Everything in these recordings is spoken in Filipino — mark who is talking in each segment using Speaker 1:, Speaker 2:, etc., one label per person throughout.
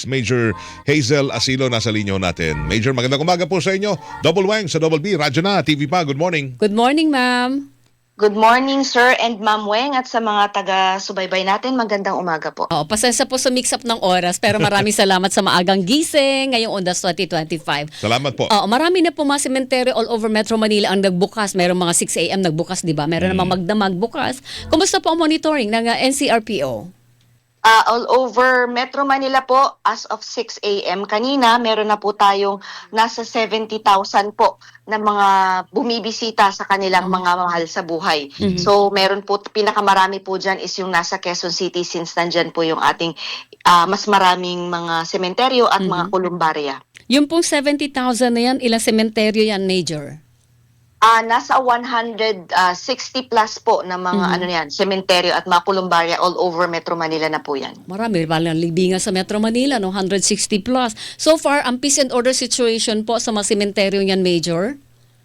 Speaker 1: Police Major Hazel Asilo nasa linyo natin. Major, magandang umaga po sa inyo. Double Wang sa Double B, Radyo na, TV pa. Good morning.
Speaker 2: Good morning, ma'am.
Speaker 3: Good morning, Sir and Ma'am Weng, at sa mga taga-subaybay natin, magandang umaga po.
Speaker 2: Pasensya po sa mix-up ng oras, pero maraming salamat sa maagang gising ngayong Ondas 2025.
Speaker 1: Salamat po.
Speaker 2: Marami na po mga sementeryo all over Metro Manila ang nagbukas. Merong mga 6 a.m. nagbukas, di ba? Meron namang magdamag bukas. Kumusta po ang monitoring ng NCRPO?
Speaker 3: All over Metro Manila po, as of 6 a.m. kanina, meron na po tayong nasa 70,000 po na mga bumibisita sa kanilang mga mahal sa buhay. So meron po, pinakamarami po dyan is yung nasa Quezon City, since nandyan po yung ating mas maraming mga sementeryo at mga kolumbarya.
Speaker 2: Yung pong 70,000 na yan, ilang sementeryo yan, Major?
Speaker 3: Nasa 160 plus po na mga ano yan, sementeryo at mga kolumbarya all over Metro Manila na po yan.
Speaker 2: Marami, balang libingan sa Metro Manila, no? 160 plus. So far, ang peace and order situation po sa mga sementeryo yan, Major?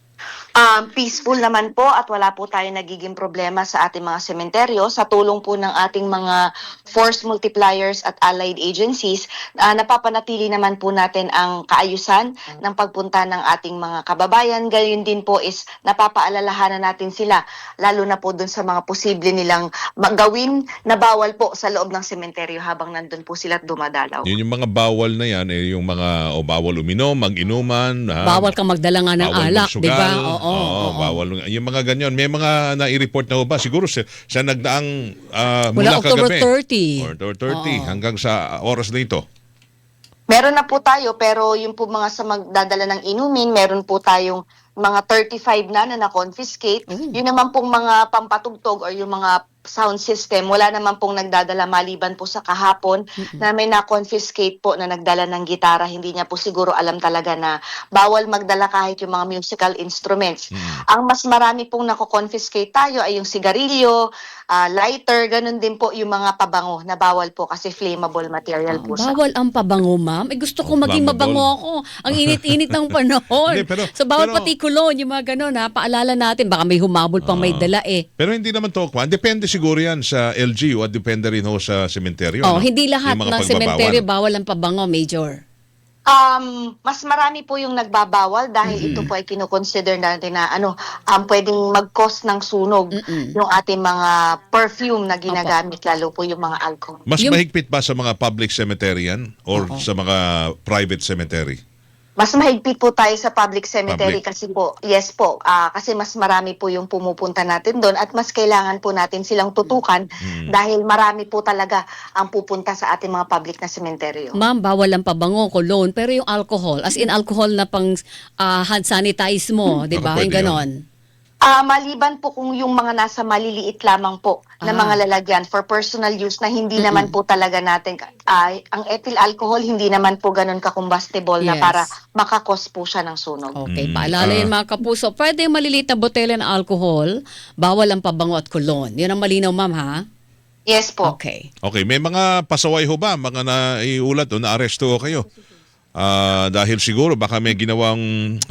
Speaker 3: Peaceful naman po at wala po tayong nagiging problema sa ating mga sementeryo. Sa tulong po ng ating mga force multipliers at allied agencies, napapanatili naman po natin ang kaayusan ng pagpunta ng ating mga kababayan. Gayon din po is napapaalalahanan natin sila, lalo na po dun sa mga posible nilang gawin na bawal po sa loob ng sementeryo habang nandun po sila at dumadalaw.
Speaker 1: Yun yung mga bawal na yan, yung mga bawal uminom, mag-inuman.
Speaker 2: Bawal kang magdala nga ng alak, di ba?
Speaker 1: Oo, bawal. Yung mga ganyan. May mga nai-report na ba? Siguro sa nagdaang mula
Speaker 2: October
Speaker 1: kagabi.
Speaker 2: 30.
Speaker 1: Or 30 hanggang sa oras na ito.
Speaker 3: Meron na po tayo, pero yung po mga sa magdadala ng inumin, meron po tayong mga 35 na na-confiscate. Yun naman pong mga pampatugtog or yung mga sound system, wala naman pong nagdadala maliban po sa kahapon na may na-confiscate po na nagdala ng gitara. Hindi niya po siguro alam talaga na bawal magdala kahit yung mga musical instruments. Ang mas marami pong nako-confiscate tayo ay yung sigarilyo, lighter, ganun din po yung mga pabango na bawal po kasi flammable material po siya.
Speaker 2: Bawal ang pabango, ma'am. Gusto ko maging
Speaker 1: Flammable.
Speaker 2: mabango ako. Ang init-init ng panahon.
Speaker 1: Hindi,
Speaker 2: So bawal pati kulon, yung mga ganun, ha. Paalala natin, baka may humabol pang may dala eh.
Speaker 1: Pero hindi naman to, depende siguro yan sa LGU at depende rin ho sa sementeryo.
Speaker 2: Hindi lahat
Speaker 1: Yung mga
Speaker 2: ng sementeryo bawal ang pabango, Major.
Speaker 3: Mas marami po yung nagbabawal dahil ito po ay kinoconsider natin na pwedeng mag-cause ng sunog yung ating mga perfume na ginagamit, lalo po yung mga alcohol.
Speaker 1: Mas
Speaker 2: Yung-
Speaker 1: mahigpit ba sa mga public cemetery yan or sa mga private cemetery?
Speaker 3: Mas mahigpit po tayo sa public cemetery
Speaker 1: Public.
Speaker 3: kasi po, yes po, kasi mas marami po yung pumupunta natin doon at mas kailangan po natin silang tutukan dahil marami po talaga ang pupunta sa ating mga public na sementeryo.
Speaker 2: Ma'am, bawal ang pabango, cologne, pero yung alcohol, as in alcohol na pang hand sanitize mo, di ba?
Speaker 1: Pwede
Speaker 2: Yung ganon.
Speaker 3: Maliban po kung yung mga nasa maliliit lamang po na mga lalagyan for personal use na hindi naman po talaga natin, ang ethyl alcohol hindi naman po ganun ka-combustible na
Speaker 2: Yes.
Speaker 3: para makakos po siya ng sunog.
Speaker 2: Okay, paalala yun mga kapuso. Pwede yung maliliit na botelya ng alcohol, bawal ang pabango at cologne. Yun ang malinaw, ma'am, ha?
Speaker 3: Yes po.
Speaker 2: Okay.
Speaker 1: Okay, may mga pasaway ho ba? Mga naiulat o na-aresto ho kayo? Dahil siguro baka may ginawang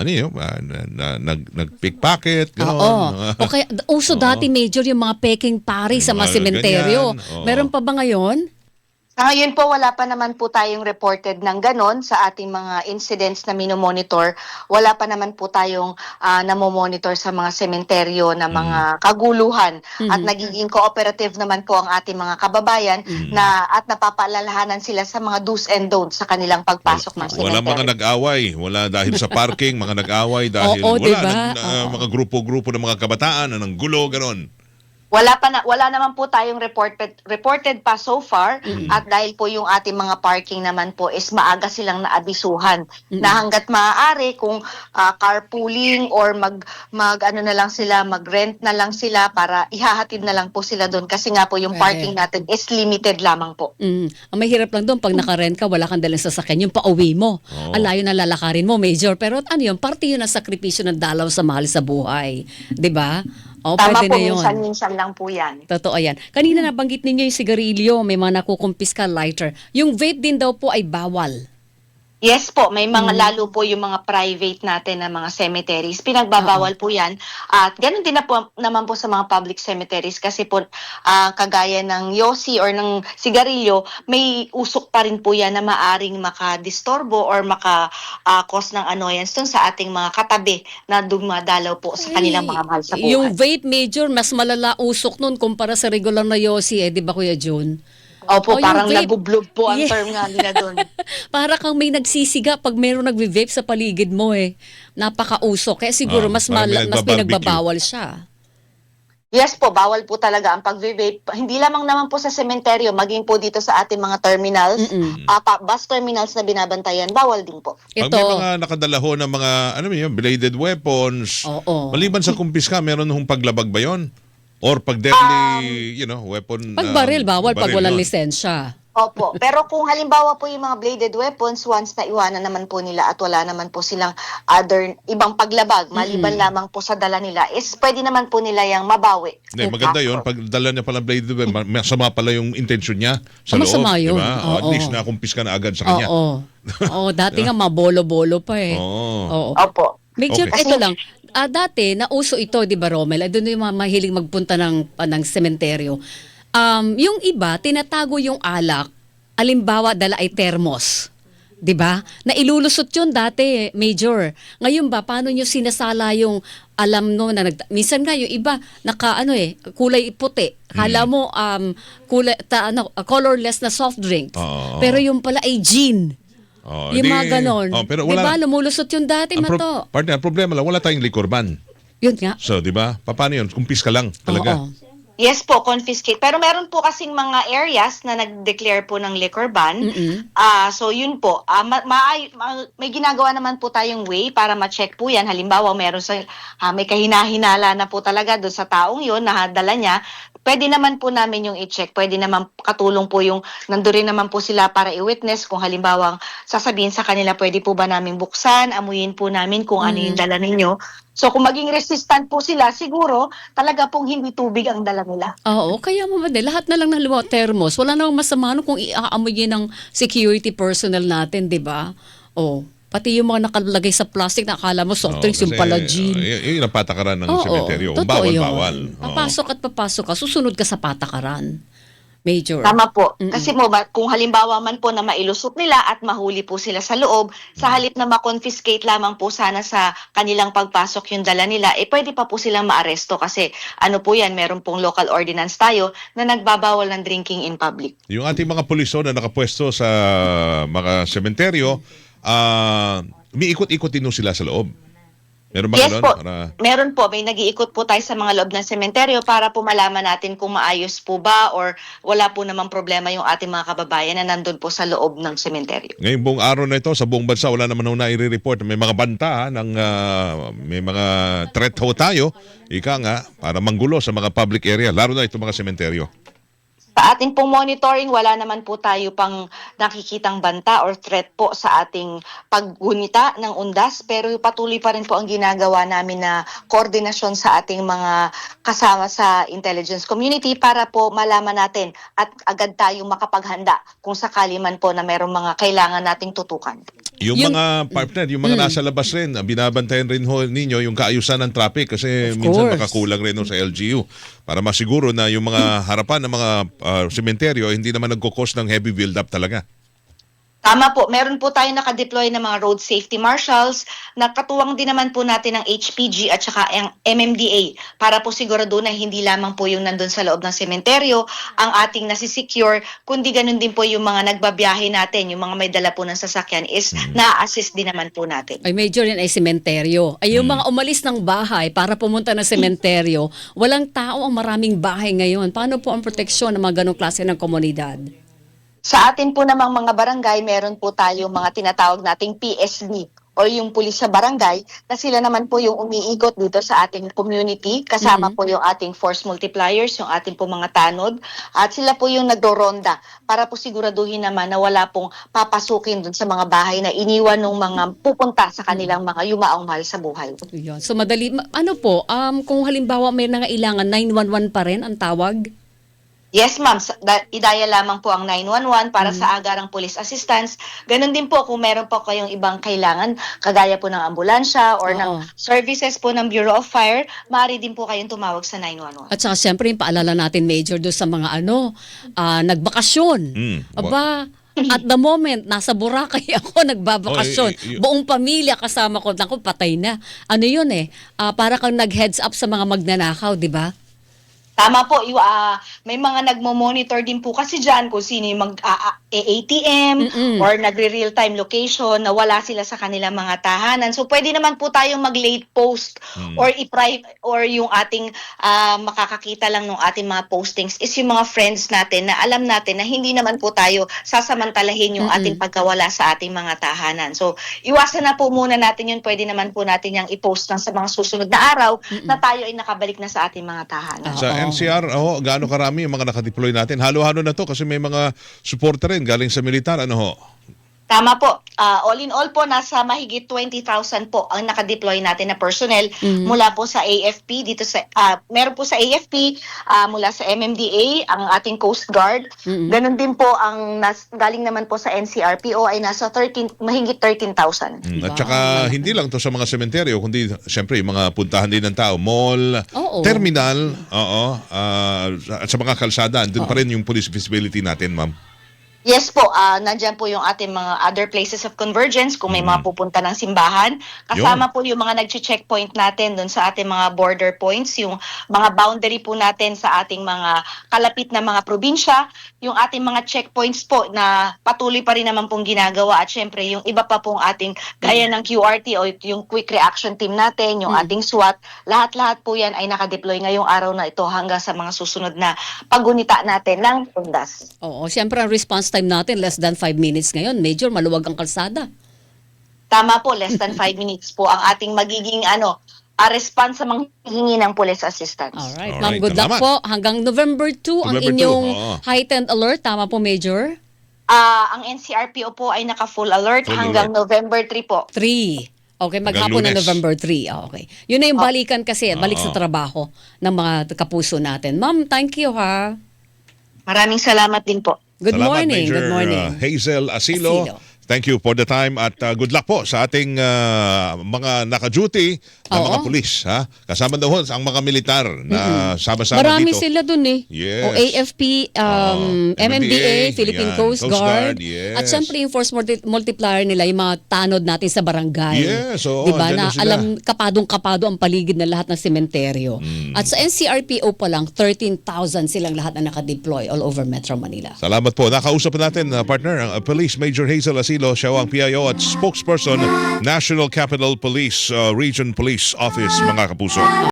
Speaker 1: nag-pickpocket, gano'n.
Speaker 2: Oo. Okay, uso dati, Major, yung mga peking pari sa mga
Speaker 1: mga
Speaker 2: sementeryo.
Speaker 1: ganyan, oo.
Speaker 2: Meron pa ba ngayon?
Speaker 3: Sa ngayon po, wala pa naman po tayong reported ng ganon sa ating mga incidents na minomonitor. Wala pa naman po tayong namomonitor sa mga sementeryo na mga kaguluhan. At nagiging cooperative naman po ang ating mga kababayan at napapaalalahanan sila sa mga do's and don'ts sa kanilang pagpasok ng
Speaker 1: Wala
Speaker 3: sementeryo.
Speaker 1: mga nag-away. Wala dahil sa parking, mga nag-away dahil
Speaker 2: Oo,
Speaker 1: wala.
Speaker 2: diba?
Speaker 1: Mga grupo-grupo ng mga kabataan na ng gulo, gano'n.
Speaker 3: Wala naman po tayong reported pa so far at dahil po yung ating mga parking naman po is maaga silang naabisuhan na hangga't maaari kung carpooling or mag-ano na lang sila, mag-rent na lang sila para ihahatid na lang po sila doon kasi nga po yung parking natin is limited lamang po.
Speaker 2: Ang mahirap lang doon, pag nakarent ka, wala kang dalang sasakyan, yung pauwi mo. Ang layo na lalakarin mo, Major. Pero ano yun, parte yun ng sakripisyo ng dalaw sa mahal sa buhay. 'Di ba?
Speaker 3: Tama
Speaker 2: Pwede
Speaker 3: po,
Speaker 2: na yun.
Speaker 3: minsan-minsan lang po yan.
Speaker 2: Totoo yan. Kanina nabanggit ninyo yung sigarilyo, may mga nakukumpiska lighter. Yung vape din daw po ay bawal.
Speaker 3: Yes po, may mga lalo po yung mga private natin na mga cemeteries. Pinagbabawal po 'yan. At ganoon din na po naman po sa mga public cemeteries kasi po kagaya ng yosi or ng sigarilyo, may usok pa rin po 'yan na maaring makadistorbo or cause ng annoyance dun sa ating mga katabi na dumadalaw po sa kanilang mga mahal sa buhay.
Speaker 2: Yung vape, Major, mas malala usok nun kumpara sa regular na yosi, di ba, Kuya Jun?
Speaker 3: Opo,
Speaker 2: yung
Speaker 3: parang
Speaker 2: vape.
Speaker 3: nabublog po ang
Speaker 2: Yeah.
Speaker 3: term nga nila doon.
Speaker 2: Para kang may nagsisiga pag mayroong nagve-vape sa paligid mo Napakausok. Kaya siguro mas
Speaker 1: parang may
Speaker 2: mas
Speaker 1: nagbabarbecue.
Speaker 2: pinagbabawal siya.
Speaker 3: Yes po, bawal po talaga ang pag-vape. Hindi lamang naman po sa sementeryo, maging po dito sa ating mga terminals, bus terminals na binabantayan, bawal din po.
Speaker 1: Pag may mga nakadala ho ng mga, ano yun, bladed weapons,
Speaker 2: Oo.
Speaker 1: maliban sa kumpiska, meron hong paglabag ba yun? Or pag deadly, weapon?
Speaker 2: Pag baril, bawal pag
Speaker 1: baril
Speaker 2: walang
Speaker 1: yun.
Speaker 2: lisensya.
Speaker 3: Opo, pero kung halimbawa po yung mga bladed weapons, once na iwanan naman po nila at wala naman po silang ibang paglabag, maliban lamang po sa dala nila, is pwede naman po nila yung mabawi.
Speaker 1: Hindi, maganda yun. Pag dala niya palang bladed weapon, masama pala yung intention niya sa loob.
Speaker 2: Masama yun.
Speaker 1: Diba? O, at
Speaker 2: Oo.
Speaker 1: least nakumpiska na agad sa kanya.
Speaker 2: Oo. Oo, dati nga mabolo-bolo pa
Speaker 1: Oo.
Speaker 2: Oo.
Speaker 3: Opo.
Speaker 2: Major,
Speaker 1: Okay.
Speaker 2: ito lang. Dati, nauso ito, di ba, Romel? Doon yung mga mahiling magpunta ng sementeryo. Yung iba, tinatago yung alak. Alimbawa, dala ay termos. 'Di ba? Na ilulusot 'yun dati, Major. Ngayon ba paano niyo sinasala yung alam no na minsan nga yung iba kulay puti. Kala mo colorless na soft drinks.
Speaker 1: Oo.
Speaker 2: Pero yung pala ay gin.
Speaker 1: Oh,
Speaker 2: Yung mga ganon.
Speaker 1: pero
Speaker 2: Di
Speaker 1: wala,
Speaker 2: ba? Lumulusot yung dati, Mato.
Speaker 1: partner, ang problema lang, wala tayong liquor ban.
Speaker 2: Yun nga.
Speaker 1: So, di ba? Paano yun? Kumpiska lang talaga.
Speaker 2: Oo.
Speaker 3: Yes po, confiscate. Pero meron po kasing mga areas na nag-declare po ng liquor ban. So yun po, may ginagawa naman po tayong way para ma-check po yan. Halimbawa, may kahinahinala na po talaga doon sa taong yun na dala niya. Pwede naman po namin yung i-check. Pwede naman katulong po yung nandoon rin naman po sila para i-witness kung halimbawa sasabihin sa kanila, pwede po ba namin buksan, amuyin po namin kung ano yung dala ninyo. So kung maging resistant po sila, siguro talaga pong hindi tubig ang dala nila.
Speaker 2: Oo, kaya lahat na lang ng halimbawa termos. Wala namang masama kung iaamoy ng security personnel natin, 'di ba? Pati yung mga nakalagay sa plastic na akala mo soft drinks, yung pala gin.
Speaker 1: Yun ang patakaran ng
Speaker 2: Oo,
Speaker 1: sementeryo.
Speaker 2: totoo yun.
Speaker 1: Bawal-bawal.
Speaker 2: Papasok at papasok ka, susunod ka sa patakaran. Major.
Speaker 3: Tama po. Kasi kung halimbawa man po na mailusot nila at mahuli po sila sa loob, sa halip na ma-confiscate lamang po sana sa kanilang pagpasok yung dala nila, pwede pa po silang maaresto kasi po yan, meron pong local ordinance tayo na nagbabawal ng drinking in public.
Speaker 1: Yung ating mga puliso na nakapwesto sa mga sementeryo, umiikot-ikot din sila sa loob. Meron ba
Speaker 3: Yes
Speaker 1: ganun?
Speaker 3: po, meron po. May nag-iikot po tayo sa mga loob ng sementeryo para po malaman natin kung maayos po ba or wala po namang problema yung ating mga kababayan na nandun po sa loob ng sementeryo.
Speaker 1: Ngayong buong araw na ito, sa buong bansa, wala naman na i-report. May mga banta, may mga threat ho tayo, para manggulo sa mga public area, lalo na itong mga sementeryo.
Speaker 3: Sa ating pong monitoring, wala naman po tayo pang nakikitang banta or threat po sa ating paggunita ng undas, pero patuloy pa rin po ang ginagawa namin na koordinasyon sa ating mga kasama sa intelligence community para po malaman natin at agad tayong makapaghanda kung sakali man po na merong mga kailangan nating tutukan.
Speaker 1: Yung mga partner, yung mga nasa labas rin, binabantayan rin ho ninyo yung kaayusan ng traffic kasi
Speaker 2: Of
Speaker 1: minsan
Speaker 2: course.
Speaker 1: makakulang rin ho sa LGU para masiguro na yung mga harapan ng mga sementeryo hindi naman nagkukos ng heavy build-up talaga.
Speaker 3: Tama po, meron po tayo nakadeploy ng mga road safety marshals na katuwang din naman po natin ng HPG at saka ang MMDA para po sigurado na hindi lamang po yung nandun sa loob ng sementeryo ang ating nasisecure, kundi ganun din po yung mga nagbabiyahe natin, yung mga may dala po ng sasakyan is na-assist din naman po natin.
Speaker 2: Ay, Major, yan ay sementeryo. Ay, yung mga umalis ng bahay para pumunta ng sementeryo, walang tao ang maraming bahay ngayon. Paano po ang proteksyon ng mga ganong klase ng komunidad?
Speaker 3: Sa atin po namang mga barangay, meron po tayo mga tinatawag nating PSD o yung pulis sa barangay na sila naman po yung umiikot dito sa ating community. Kasama po yung ating force multipliers, yung ating po mga tanod. At sila po yung nagdoronda para po siguraduhin naman na wala pong papasukin dun sa mga bahay na iniwan ng mga pupunta sa kanilang mga yumaong mahal sa buhay.
Speaker 2: Yan. So, madali. Kung halimbawa may nangailangan, 911 pa rin ang tawag?
Speaker 3: Yes, ma'am. I-dial lamang po ang 911 para sa agarang police assistance. Ganon din po kung meron po kayong ibang kailangan, kagaya po ng ambulansya or
Speaker 2: Oo.
Speaker 3: ng services po ng Bureau of Fire, maaari din po kayong tumawag sa 911.
Speaker 2: At saka siyempre, yung paalala natin, Major, doon sa mga nagbakasyon. Aba, at the moment, nasa Boracay ako nagbabakasyon. Buong pamilya kasama ko. Naku, patay na. Ano yun para kang nag-heads up sa mga magnanakaw, di ba?
Speaker 3: Tama po, may mga nagmo-monitor din po kasi dyan kung sino yung ATM or nagre-real time location na wala sila sa kanilang mga tahanan. So pwede naman po tayong mag-late post or or yung ating makakakita lang ng ating mga postings is yung mga friends natin na alam natin na hindi naman po tayo sasamantalahin yung ating pagkawala sa ating mga tahanan. So iwasan na po muna natin yun. Pwede naman po natin yung i-post lang sa mga susunod na araw na tayo ay nakabalik na sa ating mga tahanan.
Speaker 1: Sa NCR, gaano karami yung mga nakadeploy natin? Halo-halo na to kasi may mga suporta rin galing sa militar. Ano ho?
Speaker 3: Tama po. All in all po, nasa mahigit 20,000 po ang nakadeploy natin na personnel mula po sa AFP, meron po sa AFP, mula sa MMDA, ang ating Coast Guard. Ganon din po ang galing naman po sa NCRPO ay nasa mahigit 13,000.
Speaker 1: At saka hindi lang to sa mga sementeryo, kundi siyempre yung mga puntahan din ng tao, mall, terminal, at sa mga kalsada, andun pa rin yung police visibility natin, ma'am.
Speaker 3: Yes po, nandyan po yung ating mga other places of convergence kung may mga pupunta ng simbahan. Kasama po yung mga nag-checkpoint natin doon sa ating mga border points, yung mga boundary po natin sa ating mga kalapit na mga probinsya, yung ating mga checkpoints po na patuloy pa rin naman pong ginagawa at syempre yung iba pa pong ating gaya ng QRT o yung Quick Reaction Team natin, yung ating SWAT, lahat-lahat po yan ay nakadeploy ngayong araw na ito hanggang sa mga susunod na paggunita natin ng undas.
Speaker 2: Oo, siyempre ang response time natin less than 5 minutes ngayon. Major, maluwag ang kalsada.
Speaker 3: Tama po, less than 5 minutes po ang ating magiging response sa mga hingi ng police assistance.
Speaker 2: Alright.
Speaker 1: Alright,
Speaker 2: Ma'am, good luck
Speaker 1: salamat.
Speaker 2: po. Hanggang November 2 ang
Speaker 1: November 2,
Speaker 2: inyong
Speaker 1: oo.
Speaker 2: heightened alert. Tama po, Major?
Speaker 3: Ang NCRPO po ay naka-full alert
Speaker 1: Full
Speaker 3: hanggang November 3 po.
Speaker 2: 3. Okay, maghapon na
Speaker 1: Lunes.
Speaker 2: November 3. Okay. Yun na yung balikan kasi, balik sa trabaho ng mga kapuso natin. Ma'am, thank you ha.
Speaker 3: Maraming salamat din po.
Speaker 2: Good
Speaker 1: Salamat,
Speaker 2: morning.
Speaker 1: Major
Speaker 2: Good morning.
Speaker 1: Hazel Asilo. Thank you for the time at good luck po sa ating mga naka-duty na mga pulis. Ha? Kasama daw ho ang mga militar na sama-sama
Speaker 2: Marami
Speaker 1: dito.
Speaker 2: sila dun
Speaker 1: Yes.
Speaker 2: O AFP, MMDA, Philippine
Speaker 1: yan,
Speaker 2: Coast Guard.
Speaker 1: yes.
Speaker 2: At syempre yung force multiplier nila, yung mga tanod natin sa barangay.
Speaker 1: Yes, oo,
Speaker 2: diba?
Speaker 1: andyan
Speaker 2: Na
Speaker 1: sila.
Speaker 2: alam, kapadong-kapado ang paligid ng lahat ng sementeryo. At sa NCRPO pa lang, 13,000 silang lahat na nakadeploy all over Metro Manila.
Speaker 1: Salamat po. Nakausap natin, partner, ang Police Major Hazel Asilo. Siya ang PIO at spokesperson, National Capital Police Region Police Office, mga kapuso.